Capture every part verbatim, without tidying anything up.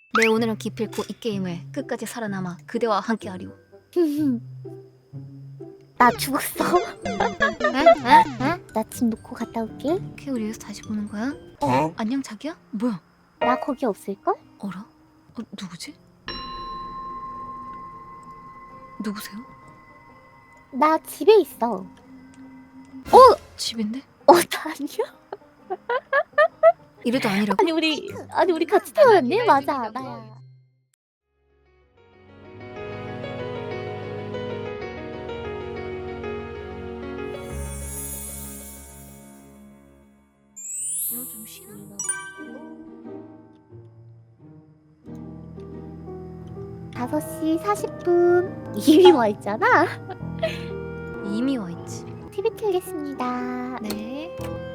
내 오늘은 기필코 이 게임을 끝까지 살아남아 그대와 함께하리오. 나 죽었어. 에? 에? 에? 나 집 놓고 갔다 올게. 오케이, 우리 여기서 다시 보는 거야? 어? 안녕 자기야? 뭐야? 나 거기 없을걸? 어라? 어, 누구지? 누구세요? 나 집에 있어. 집인데? 어, 나 아니야? 이래도 아니라고? 아니 우리 아니 우리 같이 태어났네? 맞아, 나야. 너 좀 쉬나? 다섯 시 사십 분 이미 와 있잖아. 이미 와있지. 티비 틀겠습니다. 네.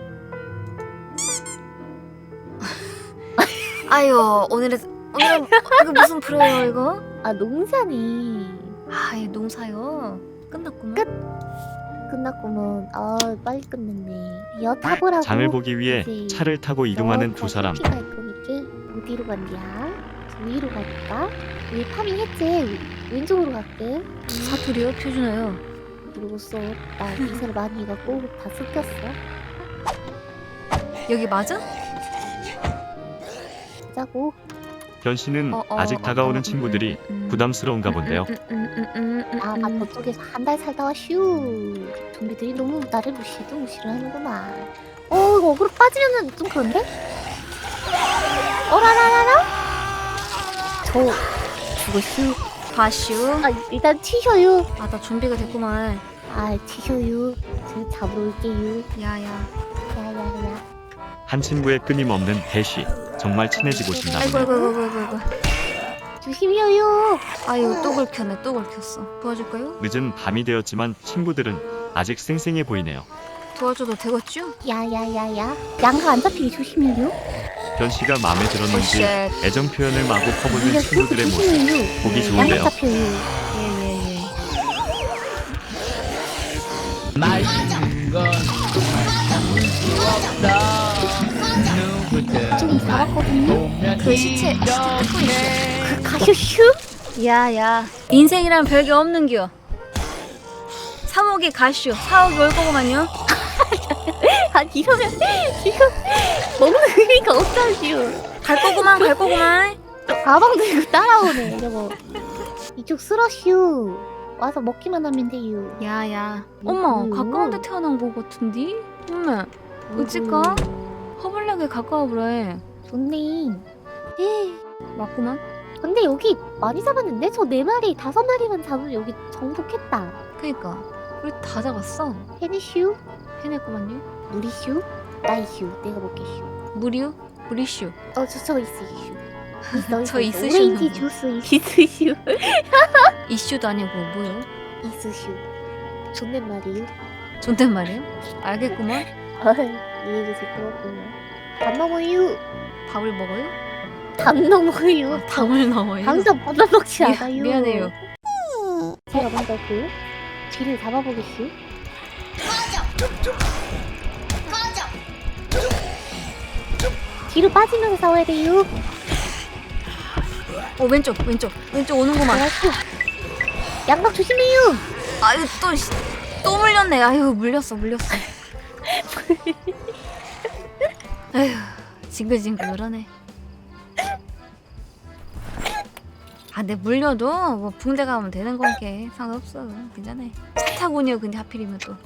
아유, 오늘은 오늘은 이거 무슨 프로예요 이거? 아, 농사네. 아, 이 농사요. 끝났구만. 끝. 끝났구먼. 아, 빨리 끝냈네. 여 타보라고. 장을 보기 위해 이제 차를 타고 이동하는 두 사람. 갈 거니까 어디로 간디야? 저 위로 갈까? 위 파밍했지. 왼쪽으로 갈게. 사투리요? 표준어요. 모르겠어. 나 기사를 많이 해갖고 다 섞였어. 여기 맞아? 짜고. 변 씨는 어, 어, 아직 어, 다가오는 어, 친구들이 음, 음, 부담스러운가 본데요. 음, 음, 음, 음, 음, 나, 음, 나 음. 저쪽에서 한 달 살다 와슈. 좀비들이 너무 나를 무시도 무시를 하는구만. 어, 이거 어그로 빠지면은 좀 그런데? 어라라라라? 저 죽었슈. 가슈. 아, 일단 튀셔요. 아, 나 좀비가 됐구만. 아, 튀셔요. 제가 잡으러 올게요. 야야. 야야야. 한 친구의 끊임없는 대쉬. 정말 친해지고 싶나 아이고 보네요. 아이고 아이고 아이고 아이고. 조심히요. 아유, 또 긁혔네, 또 긁혔어. 도와줄까요? 늦은 밤이 되었지만 친구들은 아직 쌩쌩해 보이네요. 도와줘도 되겠죠? 야야야야. 양가 안 잡히게 조심히요. 변 씨가 마음에 들었는지 오쉣. 애정 표현을 마구 퍼붓는 밀려 친구들의 모습. 조심히요. 보기 네, 좋은데요. 양가 잡혀요. 예예예. 맛있는 건 좀 잡았거든요. 그 시체, 시체 뜯고 있어. 그 가쇼슈? 야야. 인생이란 별게 없는겨. 삼억이 가슈, 사억이 올 거구만요. 아, 이러면 지금 먹는 의미가 없다시오. 갈 거구만, 갈 거구만. 가방 들고 따라오네. 저거. 이쪽 쓰러슈. 와서 먹기만 하면 돼요. 야야. 어머, 음. 가까운 데 태어난 거 같은디? 어머, 어찌까? 허블락에 가까워 보래. 좋네. 에 맞구만. 근데 여기 많이 잡았는데? 저 네 마리, 다섯 마리만 잡으면 여기 정복했다. 그니까 우리 다 잡았어. 헤니슈? 해냈구만요. 무리슈? 나이슈. 내가 먹게슈. 무리유? 무리슈. 어, 저, 저 있으슈. 있어, 저 있어. 있으시는 오렌지 분. 주스 있으슈. 이슈도 아니고 뭐요? 있으슈. 존댓말이요. 존댓말이요? 알겠구만. 이해가 시끄럽구나. 밥 먹어요. 밥을 먹어요? 밥 넘어요. 밥을 넣어요? 항상 밥을 먹지 미- 않아요. 미안해요. 제가 먼저 그 뒤를 잡아보겠슈. 뒤로 빠지면서 싸워야 돼요. 어, 왼쪽 왼쪽 왼쪽 오는구만. 알았어. 양각 조심해요. 아유, 또 씨, 또 물렸네. 아유, 물렸어 물렸어. 아유, 징글징글하네. 아, 근데 물려도 뭐 붕대 가면 되는 건게 상관없어. 괜찮아. 차 타고 오냐 근데 하필이면 또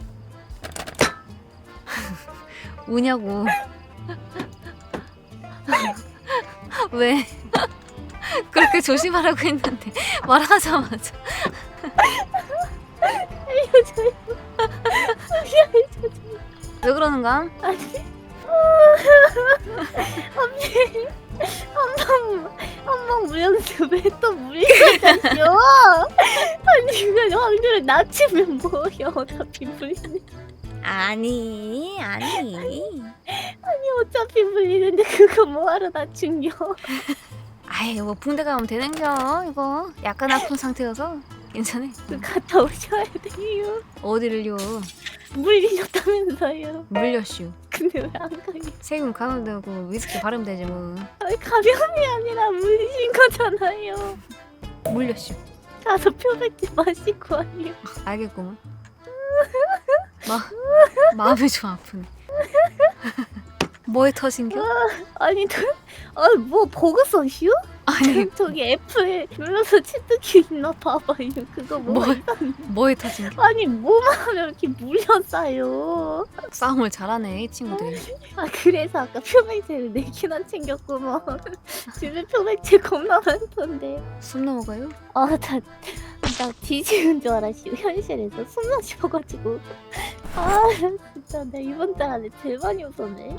우냐고. 왜? 그렇게 조심하라고 했는데 말하자마자. 알려줘요. 왜 그러는가? 한방 한방 물렸는데 왜 또 물리셨죠? 아니 그냥 확률을 낮추면 뭐야? 어차피 물리는. 아니 아니. 아니 어차피 물리는데 그거 뭐하러 낮춘겨? 아이, 뭐 붕대 가면 되는겨. 이거 약간 아픈 상태여서 괜찮아. 그 갔다 오셔야 돼요. 어디를요? 물리셨다면서요. 물렸슈. 근데 왜 안 가요? 세균 감염되고 위스키 발음 되지 뭐. 아니, 감염이 아니라 물리신 거잖아요. 물렸슈. 가서 표백제 마시고 와요. 알겠구만. 마 마음이 좀 아프네. 뭐에 터진겨? 아니, 저, 아니 뭐 버그 써슈? 아니 저기 애플 눌러서 치트키 있나 봐봐요. 그거 뭐? 뭐 뭐에 터진겨? 아니 뭐만 하면 이렇게 물렸어요. 싸움을 잘하네 이 친구들이. 아 그래서 아까 표백제를 네 개나 챙겼구먼. 집에 표백제 겁나 많던데. 숨 넘어가요? 아나 나 뒤지는 줄 알았슈. 현실에서 숨만 쉬어가지고. 아 진짜 내 이번 달 안에 제일 많이 웃었네.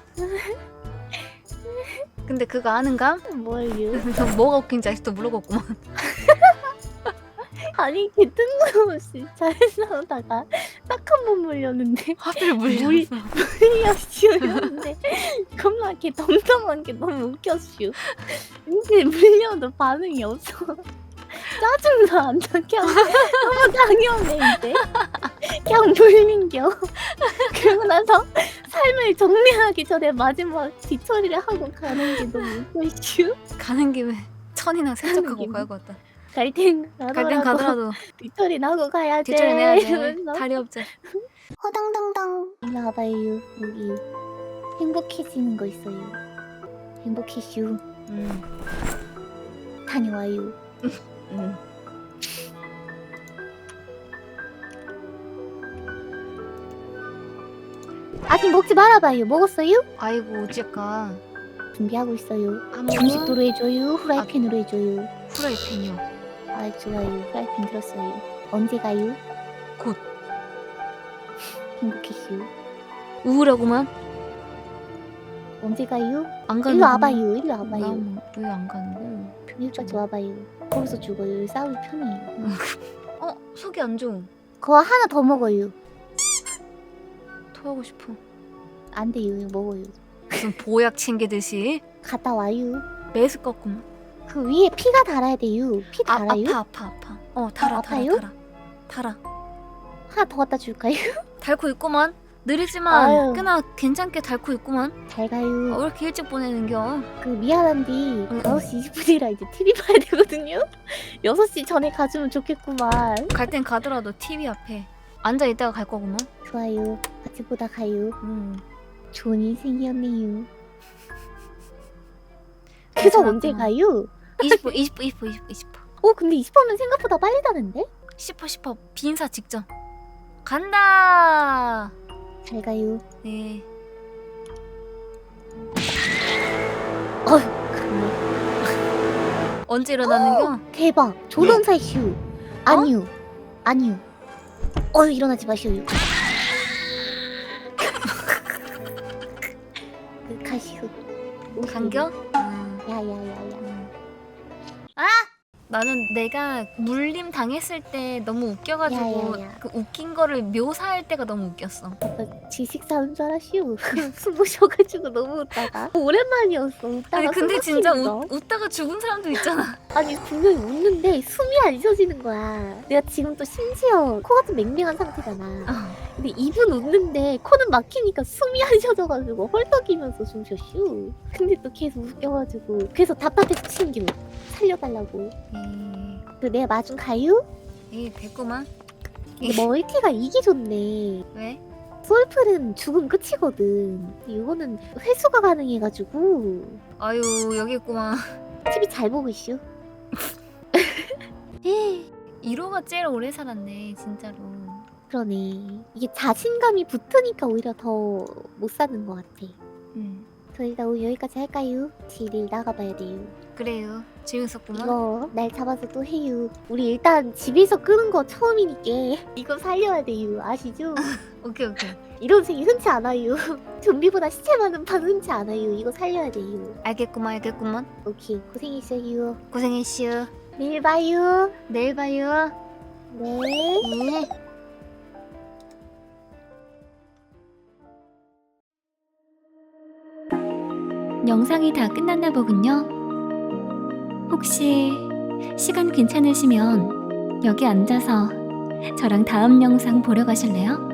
근데 그거 아는감? 뭘요? 너 뭐가 웃긴지 아직도 모르겠구만. 아니 개 뜬금없이 잘 싸우다가 딱 한 번 물렸는데 하필 물- 물렸어. 물렸슈였는데 겁나 개 덤덤한 게 너무 웃겼슈. 근데 물려도 반응이 없어. 짜증나 안 나. 그냥 너무 당연해 이제. 그냥 물린겨. 그러고 나서 삶을 정리하기 전에 마지막 뒤처리를 하고 가는 게 너무 웃겨슈. 가는 김에 천이나 세척하고 김에. 가야겠다. 갈땐 갈 땐 가더라도 가더라도 뒤처리는 하고 가야지. 뒷처리 내야지. 이러면서. 다리 없지. 허당당당. 일로 와봐요. 여기 행복해지는 거 있어요. 행복해슈. 음. 다녀와요. 음. 아직 먹지 말아봐요. 먹었어요? 아이고 어째까 준비하고 있어요. 한 음식도로 번은 해줘요. 후라이팬으로 해줘요. 프라이팬이요. 아 좋아요. 후라이팬 들었어요. 언제 가요? 곧. 행복해슈. 우울하구만. 언제 가요? 안 가는 일로 와봐요. 일로 와봐요. 왜안 가는 거야? 여기까지 와봐요. 거기서 죽어요. 여기 싸우기 편해요. 어 속이 안 좋음. 그거 하나 더 먹어요. 토하고 싶어. 안 돼요. 이거 먹어요. 무슨 보약 챙기듯이 갔다 와요. 매스 꺾구만. 그 위에 피가 달아야 돼요. 피 아, 달아요? 아파 아파 아파. 어 달아 아, 달아 아파요? 달아. 달아. 하나 더 갖다 줄까요? 달고 있구만. 느리지만 아유. 꽤나 괜찮게 달고 있구만. 잘 어, 가요. 왜 이렇게 일찍 보내는겨? 그 미안한데 응. 다섯 시 이십 분이라 이제 티비 봐야 되거든요. 여섯 시 전에 가주면 좋겠구만. 갈 땐 가더라도 티비 앞에 앉아 있다가 갈 거구만. 좋아요. 같이 보다 가요. 음. 좋은 인생이었네요. 그래서 언제 가요? 이십 분 이십 분 이십 분 이십 분 이십 분. 어 근데 이십 분은 생각보다 빨리 다는데? 십 분 십 분 비인사 직전. 간다. 잘 가요. 네. 어휴 가네. 언제 일어나는겨? 대박. 조던사이 슈. 아니요. 아니요. 어휴 일어나지 마시오. 그 가시오. 간겨? 음. 야야야야. 나는 내가 물림 당했을 때 너무 웃겨가지고 야, 야, 야. 그 웃긴 거를 묘사할 때가 너무 웃겼어. 나 지식 사는 줄 알았슈. 숨 모셔가지고 너무 웃다가 오랜만이었어. 웃다가 아니 근데 숨 진짜 막히는 거. 웃, 웃다가 죽은 사람도 있잖아. 아니 분명히 웃는데 숨이 안 쉬어지는 거야. 내가 지금 또 심지어 코가 좀 맹맹한 상태잖아. 어. 근데 입은 웃는데 코는 막히니까 숨이 안 쉬어져가지고 헐떡이면서 숨 쉬었슈. 근데 또 계속 웃겨가지고 그래서 답답해서 친구 살려달라고. 에이, 그 내가 마중 가요? 에이 됐구만. 근데 멀티가 이기 좋네. 왜? 솔플은 죽음 끝이거든. 근데 이거는 회수가 가능해가지고 아유 여기 있구만. 티비 잘 보고 있슈. 일 호가 제일 오래 살았네 진짜로. 그러네. 이게 자신감이 붙으니까 오히려 더 못 사는 것 같아. 음 저 일단 오늘 여기까지 할까요? 지일 나가봐야 돼요. 그래요. 재밌었구만. 이거 날 잡아서 또 해요. 우리 일단 집에서 끄는 거 처음이니까 이거 살려야 돼요. 아시죠? 오케이 오케이. 이런 생이 흔치 않아요. 좀비보다 시체 많은 판 흔치 않아요. 이거 살려야 돼요. 알겠구만 알겠구만. 오케이 고생했어요. 고생했슈. 내일 봐요. 내일 봐요. 네. 네. 영상이 다 끝났나 보군요. 혹시 시간 괜찮으시면 여기 앉아서 저랑 다음 영상 보러 가실래요?